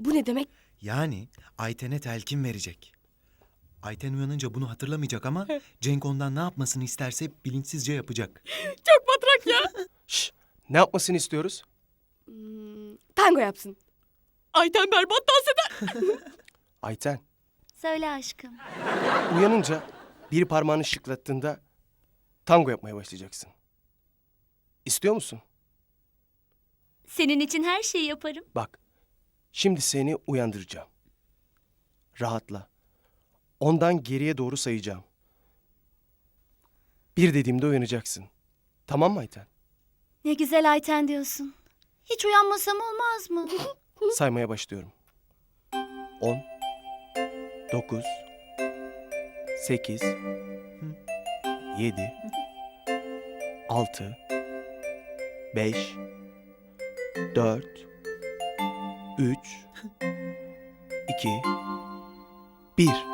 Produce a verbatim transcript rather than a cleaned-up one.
Bu ne demek? Yani Ayten'e telkin verecek. Ayten uyanınca bunu hatırlamayacak ama Cenk ondan ne yapmasını isterse bilinçsizce yapacak. Çok matrak ya. Şş, ne yapmasını istiyoruz? Hmm, tango yapsın. Ayten berbat dans eder. Ayten, Söyle aşkım. uyanınca bir parmağını şıklattığında tango yapmaya başlayacaksın. İstiyor musun? Senin için her şeyi yaparım. Bak, şimdi seni uyandıracağım. Rahatla. Ondan geriye doğru sayacağım. Bir dediğimde uyanacaksın. Tamam mı Ayten? Ne güzel Ayten diyorsun. Hiç uyanmasam olmaz mı? Saymaya başlıyorum. On, dokuz, sekiz, yedi, altı, beş, dört, üç, iki, bir.